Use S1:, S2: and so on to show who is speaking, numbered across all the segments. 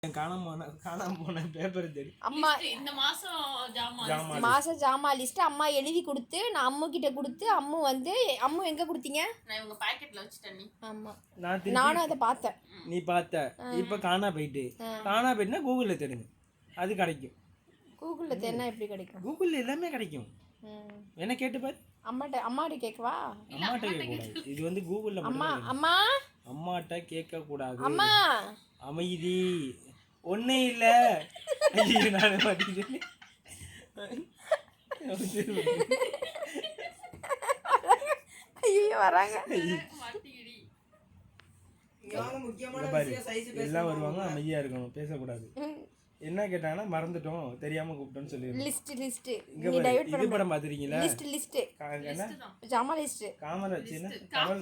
S1: காணாம போன பேப்பர் தேடி
S2: அம்மா
S3: இந்த
S2: மாசம் ஜாமான் லிஸ்ட் அம்மா எழுதி கொடுத்து நான் அம்மு கிட்ட கொடுத்து அம்மு வந்து அம்மு எங்க கொடுத்தீங்க?
S3: நான் இவங்க பாக்கெட்ல வச்சிட்டேன். நீ
S2: ஆமா
S1: நானும்
S2: அதை பார்த்தேன்.
S1: நீ பார்த்த இப்ப காணா போயிட்டுனா கூகுள்ல தேடுங்க, அது கிடைக்கும்.
S2: கூகுள்ல தேடினா எப்படி கிடைக்கும்?
S1: கூகுள்ல எல்லாமே கிடைக்கும். என்ன கேட்டு பாரு.
S2: அம்மாட்ட கேட்கவா?
S1: அம்மாட்ட கேட்கக்கூடாது. இது வந்து கூகுள்ல அம்மாட்ட கேட்க கூடாது.
S2: அம்மா
S1: அமைதி ஒன்னே இல்ல. நான் மாட்டிக்கிட்டேன்.
S2: ஐயோ வராங்க.
S1: எல்லாம் வருவாங்க, அமைதியா இருக்கணும், பேசக்கூடாது. என்ன கேட்டாங்கன்னா மறந்துட்டோம், தெரியாம கூப்பிட்டோம்னு சொல்லிடுங்க.
S2: லிஸ்ட்
S1: நீ டைவர்ட் பண்ண படம் பாத்துறீங்களா?
S2: லிஸ்ட்
S1: என்ன
S2: ஜாமா லிஸ்ட்
S1: காமரா வச்சுனா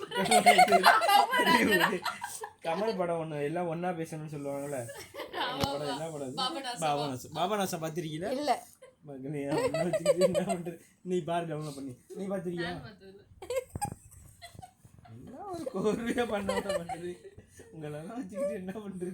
S1: கமல் படம் ஒண்ணு எல்லாம் ஒண்ணா பேசணும்னு சொல்லுவாங்கல்ல. படம் என்ன படம்? பாபநாசம் பாத்திருக்கீங்களா?
S2: இல்ல
S1: மகனே என்ன பண்றது? நீ பாரு, டவுன்லோட் பண்ணி. நீ பாத்திருக்கியா? என்ன ஒரு கோர்வையா பண்றது உங்களெல்லாம் வச்சுக்கிட்டு என்ன பண்றது?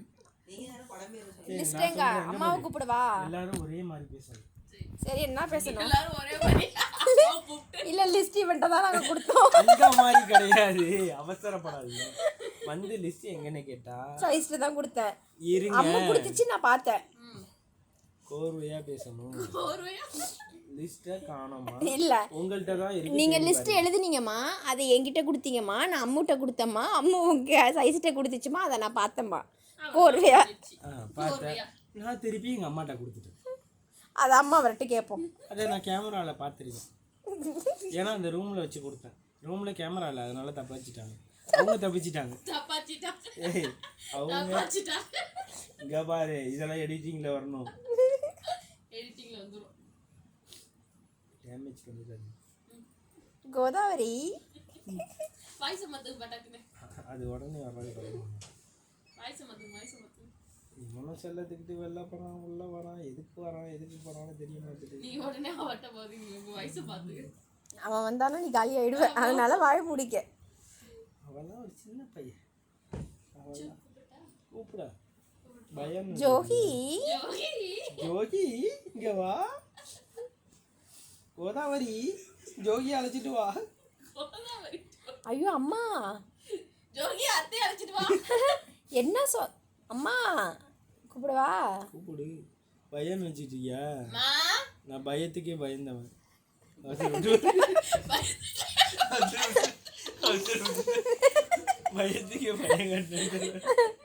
S2: அம்மாவை கூப்பிடுவா.
S1: எல்லாரும் ஒரே மாதிரி பேசணும்.
S2: சரி என்ன பேசணும்?
S3: எல்லாரும் ஒரே மாதிரி
S2: இல்ல லிஸ்ட் இவன்ட்ட தான் நாங்க கொடுத்தோம்.
S1: அந்த மாதிரி கிடையாது, அவசரப்படாதீங்க. வந்து லிஸ்ட் எங்கன்னு கேட்டா
S2: சாய்ஸ்ல தான் கொடுத்தேன்.
S1: இருங்க,
S2: அம்மா கொடுத்துச்சு, நான் பார்த்தேன்.
S1: கோர்வையா பேசணும். லிஸ்ட காணோமா?
S2: இல்ல
S1: உங்கள்ட்ட தான் இருக்கு.
S2: நீங்க லிஸ்ட் எழுதுனீங்கம்மா, அதை என்கிட்ட கொடுத்தீங்கம்மா, நான் அம்முட்ட கொடுத்தம்மா, அம்மு உங்க சைஸ்ட்ட கொடுத்துச்சுமா, அதை நான் பார்த்தேம்மா. கோர்வையா
S1: பார்த்தேன். நான் திருப்பி எங்க அம்மாட்ட கொடுத்துட்டேன்.
S2: அது அம்மா வரட்டு கேட்போம்.
S1: அதை நான் கேமரால பார்த்துருக்கேன். ஏன்னா அந்த ரூம்ல வச்சு கொடுத்தேன். ரூம்ல கேமரா இல்லை, அதனால தப்பிச்சிட்டாங்க. அவங்க தப்பிச்சிட்டாங்க. அவங்க இங்க பாரு, இதெல்லாம் எடிட்டிங்ல வரணும்.
S3: எடிட்டிங்ல வந்துரும்.
S1: டேமேஜ் பண்ணிடாதீங்க.
S2: கோதாவரி
S3: வாய்ஸ் மத்து பட்டக்குனே
S1: அது உடனே வராது.
S3: வாய்ஸ் மத்து
S1: இவனும் செல்லத்துக்கிட்டு வெளில போறான், உள்ள வரான், எதுக்கு போறான்னு தெரிய மாட்டேங்குது.
S3: நீ உடனே அவட்ட போறீங்க, உங்க வாய்ஸ் பாத்து.
S2: அவன் வந்தாலும் நீ காலி ஆயிடுவ, அதனால வாய பிடிக்க.
S1: அவெல்லாம் ஒரு சின்ன பையன். அவெல்லாம் கூப்பிடா பயம்.
S2: ஜோகி
S1: இங்க வா. கோதாவரி ஜோகி அழைச்சிட்டு வா.
S2: ஐயோ அம்மா,
S3: ஜோகி அத்தை அழைச்சிட்டு வா.
S2: என்ன அம்மா கூப்பிடுவா?
S1: கூப்பிடு. பயம் வச்சுட்டியா? நான் பயத்துக்கே பயந்தவன். பயத்துக்கே பயம் கட்டேன்.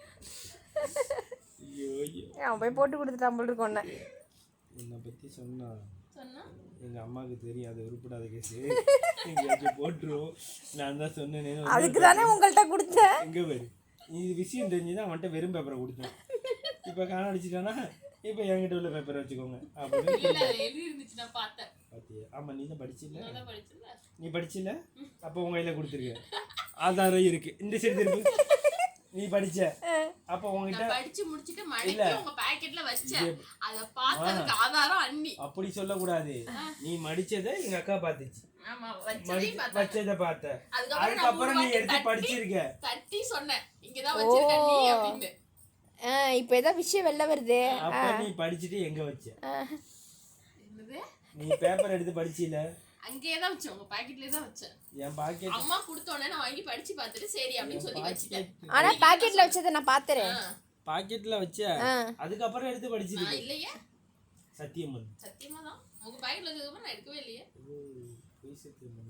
S2: அவன் போய் போட்டு கொடுத்துட்டான் போல் இருக்கு.
S1: உன்னை பத்தி சொன்னா எங்க அம்மாவுக்கு தெரியும், அது உருப்படாத கேஸ். எங்கேயாச்சும் போட்டுரும். நான் தான் சொன்னேன்னு.
S2: அதுக்கு தானே உங்கள்கிட்ட கொடுத்தேன்.
S1: எங்க பாரு, இது விஷயம் தெரிஞ்சுதான் அவன்கிட்ட வெறும் பேப்பரை கொடுத்தேன். இப்போ காண அடிச்சுட்டானா, இப்போ என்கிட்ட உள்ள பேப்பரை வச்சுக்கோங்க
S3: அப்படின்னு பார்த்தேன்.
S1: பாத்தியா? ஆமா, நீ தான் படிச்சில்ல. நீ படிச்சில்ல, அப்போ உங்க கையில கொடுத்துருக்க ஆதாரம் இருக்கு. இந்த சைடு திருப்பி. நீ படிச்ச அப்ப உங்ககிட்ட
S3: படிச்சு முடிச்சிட்டு மடிச்சு உங்க பாக்கெட்ல வச்சேன். அத பார்த்ததுக்கு ஆதாரம் அண்ணி.
S1: அப்படி சொல்ல கூடாது. நீ மடிச்சதை எங்க அக்கா பாத்துச்சு.
S3: ஆமா,
S1: வச்சதை பார்த்த. அதுக்கப்புறம் நீ எடுத்து படிச்சிருக்க.
S3: தட்டி சொன்னேன், இங்க தான் வச்சிருக்க நீ அப்படினு.
S2: இப்போ ஏதோ விஷயம் வெளில வருது.
S1: அப்ப நீ படிச்சிட்டு எங்க வச்ச?
S3: என்னது?
S1: நீ பேப்பர் எடுத்து படிச்சில?
S3: அங்கேயே தான் வச்சேன், உங்க பாக்கெட்லயே தான் வச்சேன்.
S1: என் பாக்கெட்
S3: அம்மா கொடுத்தோனே நான் வாங்கி படிச்சு பார்த்துட்டு சரி அப்படினு சொல்லி வச்சிட்டேன்.
S2: ஆனா பாக்கெட்ல வச்சத நான் பாத்துறேன்.
S1: பாக்கெட்ல வச்ச, அதுக்கு அப்புறம் எடுத்து படிச்சிருக்க.
S3: இல்லையே,
S1: சத்தியமா
S3: தான் உங்க பாக்கெட்ல வச்சதுக்கு நான் எடுக்கவே இல்லையே.
S1: போய் சத்தியமா.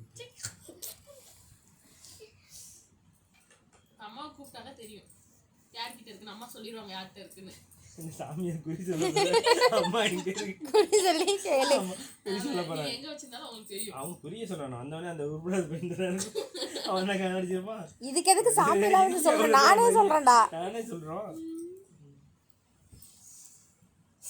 S3: அம்மா கூப்பிட்டாங்க தெரியும் யார்கிட்ட இருக்குன்னு. அம்மா சொல்லிடுவாங்க யார்கிட்ட இருக்குன்னு.
S1: சாமியை குறி சொல்ல அம்மா எங்க இருக்கு
S2: குறி சொல்லி கேளு.
S1: குறி சொல்ல போறா.
S3: எங்க வச்சிருந்தாலும் அவங்களுக்கு தெரியும்.
S1: அவன் குறிய சொல்லணும். அந்தவனே அந்த உருப்படாத பெண்றாரு. அவன் என்ன கண்ணடிச்சிருப்பான்.
S2: இதுக்கு எதுக்கு சாமி எல்லாம் சொல்ற? நானே சொல்றேன்டா.
S1: நானே சொல்றோம்.